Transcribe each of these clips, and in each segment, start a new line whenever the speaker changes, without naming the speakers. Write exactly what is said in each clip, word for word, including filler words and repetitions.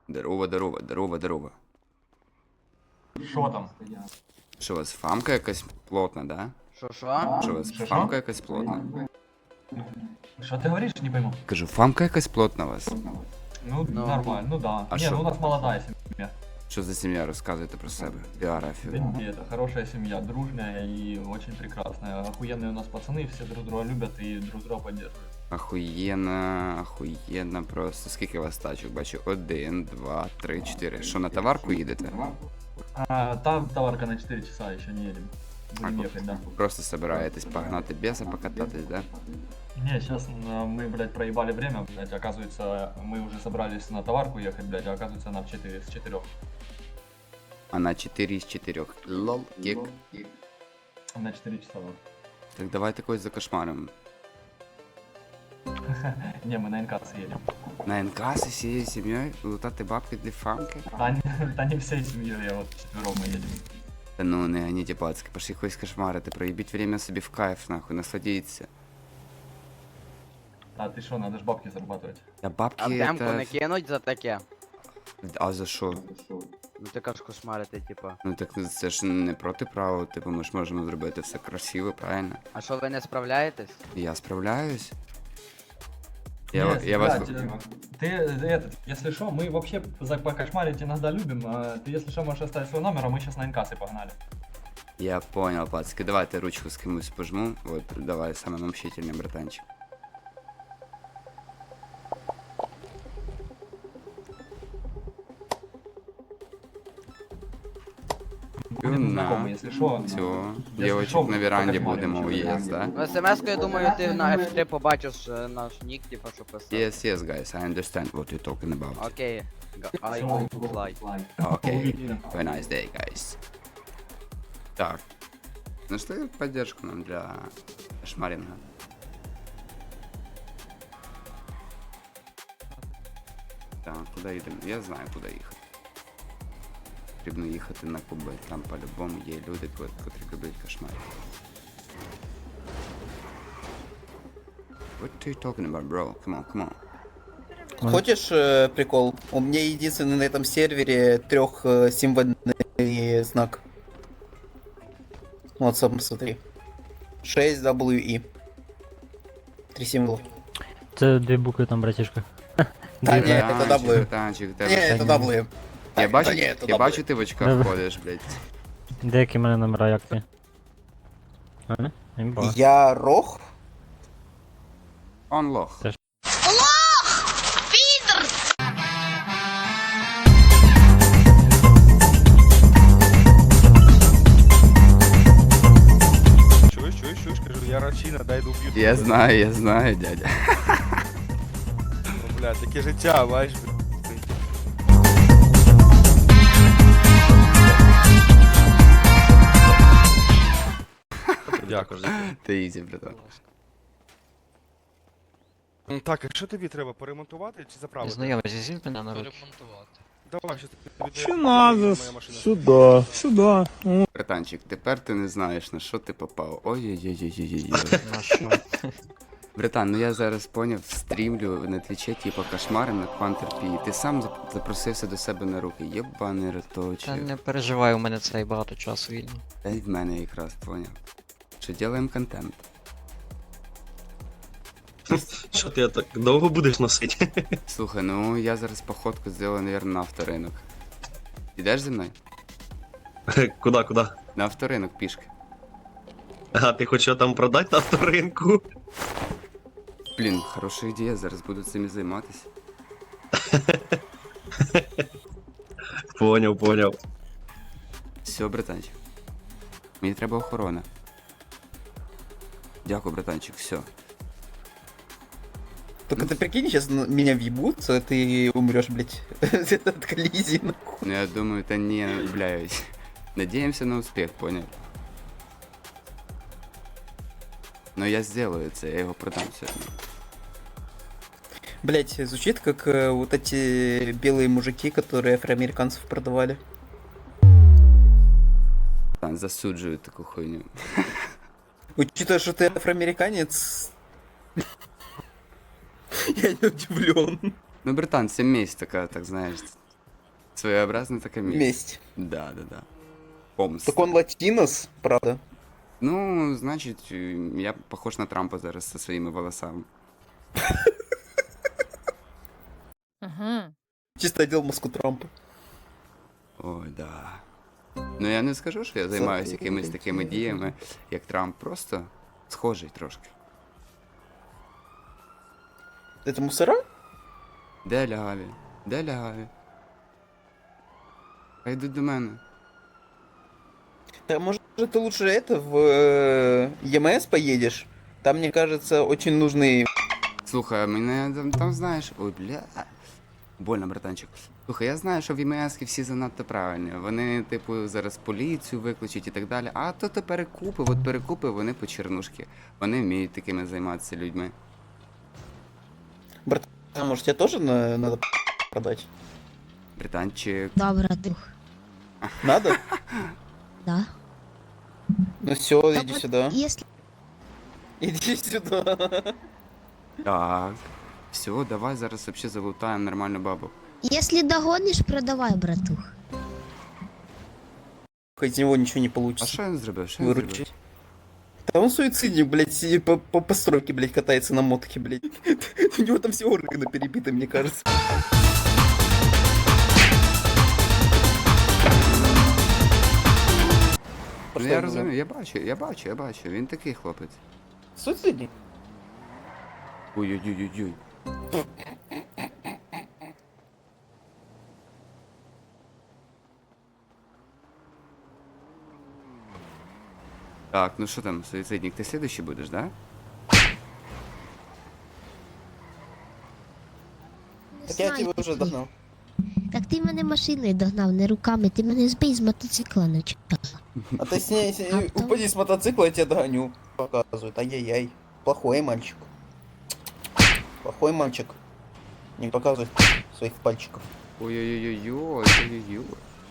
Здорово, здорово, здорово, здорово.
Що там?
Що у вас фамка якась плотна, да?
Шо шо?
Що у вас
Що,
фамка
що?
якась плотна?
Що ти говориш, не пойму.
Кажу, фамка якась плотна у вас.
Ну,
Ну.
нормально, ну да.
А
не,
шо?
ну у нас молодая семья.
Що за сім'я? Розказуйте про себе. Біографію.
Да, это хорошая семья, дружная и очень прекрасная. Охуенные у нас пацаны, все друг друга любят и друг друга поддерживают.
Ахуєнно, ахуєнно просто. Скільки у вас тачок? Бачу, один, два, три, чотири. Що, на товарку їдете?
А, там товарка на четыре часа еще не едем. Будем
А,
ехать, да.
Просто собираєтесь погнати беса, покататись, да?
Не, сейчас мы, блядь, проебали время, блядь, оказывается, мы уже собрались на товарку ехать, блядь, а оказывается нам в четыре, с четырех.
А на чотири з чотирьох. Лол, кік.
На четыре часа, вот.
Так давайте когось закошмаримо.
Не, мы на НКС едем.
На НК з усією сім'єю лутати бабки для фамки?
Да, не- да не всей семьей, я вот четвером мы едем.
Та ну не ганіті пацки, пошли когось кошмарити, проїбіть время собі в кайф, нахуй, насладіться.
А ты что, надо ж бабки зарабатывать.
Та бабки
А демку
это...
не кинуть за таке?
А за що?
Ну ти кажеш кошмарити, типа.
Ну так це ж не проти права, типу ми ж можемо зробити все красиво, правильно?
А що ви не справляєтесь?
Я справляюсь. Я,
Нет,
я вас...
блядь, э, ты, этот, если что, мы вообще за покошмарить иногда любим. а Ты, если что, можешь оставить свой номер, а мы сейчас на НКС и погнали.
Я понял, пацки, давайте ручку з кимось пожму. Вот, давай, самый мщительный братанчик.
Будем знакомы, если что.
Все,
Если
девочек
шо,
на веранде
покошмарим
будемо
чё-то.
уезд, да?
Ну смс-ку, я думаю, ти на еф три побачиш е, наш нік, типа, що писав.
Yes, yes, guys, I understand what you're talking about.
Окей. Га- I
Всё.
will fly.
Okay, have a nice day, guys. Так, нашли поддержку нам для шмаринга. Так, куди їдемо? Я знаю, куди їхати. Потрібно їхати на Куби. Там по-любому є люди, ко- котрі люблять кошмар. What are you talking about, bro? Come on, come on.
Хочешь э, прикол? У меня единственный на этом сервере трех э, символьный знак. Вот сам посмотри. шесть дабл ю и. Три символа.
Це дві букви там, братішка.
Та ні, це
Братанчик,
W.
братанчик,
Не,
тебе...
это дабл ю.
Я бачу,
Та ні, це
я
W.
бачу, ти в очках
Добре.
ходиш, блядь.
Деякі в мене номера, як ти? А, не? Імба.
Я рох?
Он лох.
Теж.
Чуєш, чуєш, чуєш, кажу, я рачина, дай доб'ю.
Я знаю, я знаю, дядя.
Ну, бля, таке життя, бачиш, бля. Дякую.
Ти ізі, братан.
М, Так, а що тобі треба, поремонтувати чи заправити?
Знайомий, візьміть мене на руки.
Давай, що тобі
Що
віддаю,
надо?
моя машина.
Сюда, сюда.
Братанчик, тепер ти не знаєш, на що ти попав. Ой-ой-ой-ой-ой-ой.
На що?
Братан, ну я зараз поняв, стрімлю на твіче, типу, кошмари на Квантерпі. Ти сам зап- запросився до себе на руки. Єбаний
Та
роточок.
не переживай, у мене цей багато часу вільно.
Та й в мене якраз поняв. Що ділаємо контент.
Що ти так довго будеш носити?
Слухай, ну я зараз походку зроблю, наверное, на авторинок. Ідеш зі мною?
Куда, куди?
На авторинок пішки.
А ти хочеш його там продати на авторинку?
Блін, хороша ідея, зараз буду цим займатися.
Поняв, поняв.
Все, братанчик. Мені треба охорона. Дякую, братанчик, все.
Только ты прикинь, сейчас меня въебут, а ты умрешь, блядь, от коллизии, нахуй.
Ну я думаю, та не, блядь. Надеемся на успех, понял? Но я сделаю это, я его продам сегодня.
Блядь, звучит как э, вот эти белые мужики, которые афроамериканцев продавали.
Там засуджую таку хуйню.
Учитывая, что ты афроамериканец, я не удивлен.
Ну, братан, це месть така, так знаєш. Своеобразна така місць.
Месть.
Да, да, да. Помста.
Так он латинос, правда.
Ну, значить, я похож на Трампа зараз зі своїми волосами.
Ага.
Чисто одел маску Трампа.
Ой, да. Ну я не скажу, що я займаюся якимись такими діями, як Трамп, просто схожий трошки.
Это мусора?
Де лягаві? Де лягаві? Хай йдуть до мене.
Да, может, ты лучше это в э, ЕМС поедешь? Там, мне кажется, очень нужный...
Слухай, мене там, там знаєш. Ой, бля. Больно, братанчик. Слухай, я знаю, що в ЄМС всі занадто правильні. Вони, типу, зараз поліцію викличуть і так далі. А то то перекупи, от перекупи, вони по чернушки. Вони вміють такими займатися людьми.
А может, тебе тоже на- надо продать?
Братанчик.
Да, братух.
Надо?
Да.
Ну все,
Так
иди
вот,
сюда.
Если...
Иди сюда.
Так. Все, давай зараз вообще залутаємо нормальну бабу.
Если догонишь, продавай, братух.
Из него ничего не
А
получится.
що він зробив? Що він зробив?
Выручить. Да он суицидник, блядь, си- по, по постройке, блядь, катается на мотке, блядь. У него там все органы перебиты, мне кажется.
Ну я розумію, я бачу, я бачу, я бачу. Він такий хлопець.
Суицидник?
Ой-ой-ой-ой-ой. Так, ну що там, суицидник, ти слідуючий будеш, да?
Так я тебя уже догнал.
Так ти мене машиною догнав, не руками, ти мене збий з мотоцикла начала.
А ты с ней, с ней-
А потом-
упади с мотоцикла, я тебя догоню. Показывает. Ай-яй-яй. Плохой мальчик. Плохой мальчик. Не показывай своих пальчиков.
Ой-ой-ой-ой, ой-ой-ой.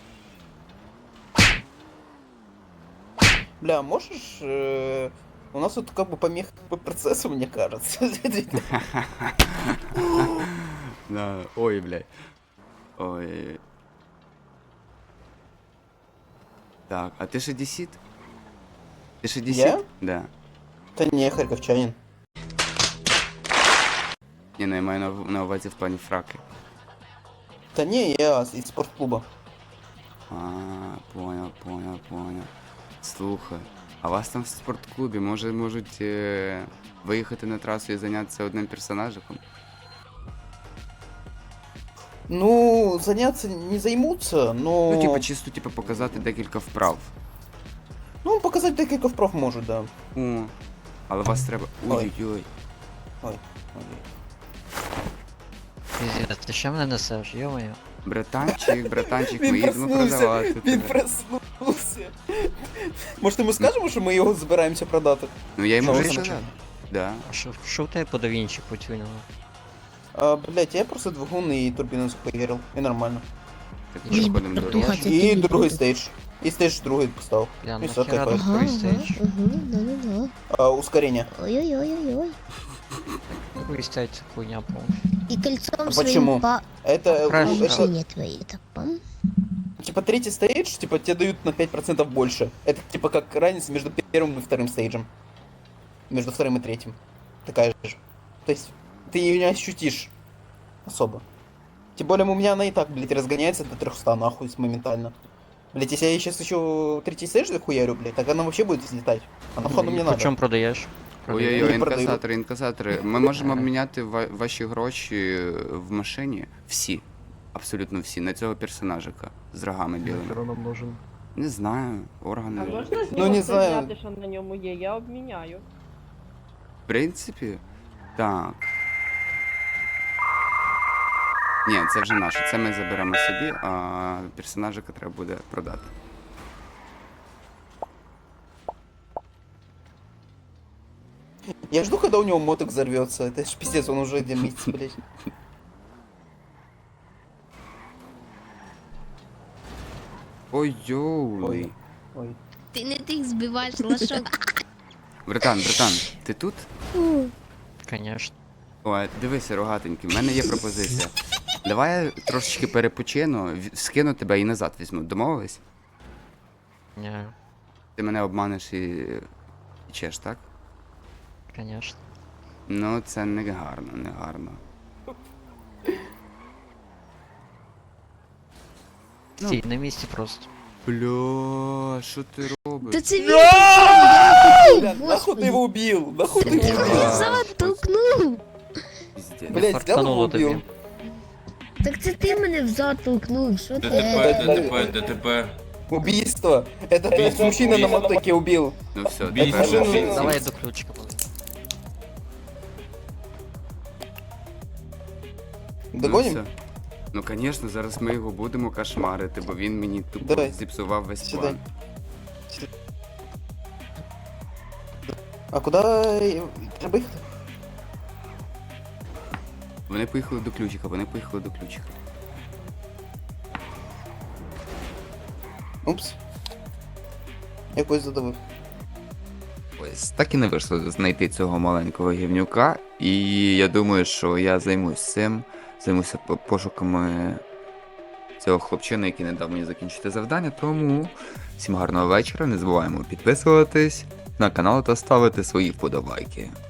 Бля, можешь... э, У нас тут как бы помеха по процессу, мне кажется.
Да, ой, блядь. Ой. Так, а ти ж одесит? Ти ж одесит?
Я?
Да.
Да не, харьковчанин.
Ні, ну я маю на, на увазі в плані фраки.
Да не, я из спортклуба.
А, понял, понял, понял. Слухай, а вас там в спортклубі може можуть е, виїхати на трасу і зайнятися одним персонажиком?
Ну, заняться не займутся, но...
Ну, типа, чисто типа показати декілька вправ.
Ну, показать декілька вправ может, да.
О, але вас треба.
Ой.
Ой-ой-ой.
Ой.
Пиздец, ти що мене несеш, йо-моє?
Братанчик, братанчик, ми
Він
їдемо
проснувся,
продавати.
він
тебе.
проснувся. Може, ми скажемо, що ми його збираємося продати?
Ну я йому
Що
вже
ви
сказав. Да.
А що, що в тебе по давінчі потюнило?
А, блять, я просто двигун і турбіну захуярил, і нормально.
Так
Ні,
переходимо до
братуха,
дорожки.
це
І
ти
другий
відео.
стейдж. І стейдж другий поставив.
Бля,
І все,
нахера
кайф.
тут
Ага,
другий
ага,
стейдж?
угу, да-да-да.
А, ускорення.
Ой-ой-ой-ой-ой.
Другий стейдж це хуйня, по
И кольцом
А
своим
почему?
по
Это,
Краш.
это,
машине твоей. Так, пам.
типа, третий стейдж, типа, тебе дают на пять процентов больше. Это, типа, как разница между первым и вторым стейджем. Между вторым и третьим. Такая же. То есть, ты ее не ощутишь особо. Тем более, у меня она и так, блядь, разгоняется до трехсот, нахуй, моментально. Блять, если я сейчас еще третий стейдж захуярю, блядь, так она вообще будет взлетать. А нахуй мне
По
надо.
чому продаєш?
Ой-ой-ой,
Не продаю.
інкасатори, інкасатори. Ми можемо обміняти ва- ваші гроші в машині. Всі. Абсолютно всі. На цього персонажика. З рогами білими. Не знаю.
А
Органи.
можна з
Ну,
нього
не
це
знаю.
взяти, що на ньому є? Я обміняю.
В принципі, так. Ні, це вже наше. Це ми заберемо собі, а персонажика треба буде продати.
Я жду, когда у него моток взорвется. Это ж пиздец, он уже дымится, блядь.
Ой-йоуй.
Ой.
Ти не тих збиваєш лошок.
Братан, братан, ти тут?
Конечно.
Ой, дивися, рогатенький, в мене є пропозиція. Давай я трошечки перепочину, в- скину тебе і назад візьму. Домовились?
Ні,
Ти мене обманеш і. і чеш, так?
звісно.
Ну, це не гарно, не гарно. Ну.
Стій на місці просто.
Бля, що ти
Та
робиш?
це він я
Бля,
хотів,
нахуй ты его
господи.
убил? Нахуй ты
Ти
его
мене
убил?
зад толкнув.
Піздець.
Блять, взял его
Фартануло
убил?
тобі.
Так це ти мене взад толкнув, що ти?
ДТП, ДТП. Убийство. Это блядь, мужчина на мотоке убил.
Ну все,
Убийство.
тепер
Машину-
Давай я до ключика поведу.
Догоним?
Ну, все. Ну, звісно, зараз ми його будемо кошмарити, бо він мені тупо
Давай.
зіпсував весь
Сюди.
план.
А куда треба їхати?
Вони поїхали до ключика, вони поїхали до ключика.
Упс. Я когось задавив.
Ось так і не вийшло знайти цього маленького гівнюка, і я думаю, що я займусь цим, займуся по- пошуками цього хлопчина, який не дав мені закінчити завдання. Тому всім гарного вечора, не забуваємо підписуватись на канал та ставити свої вподобайки.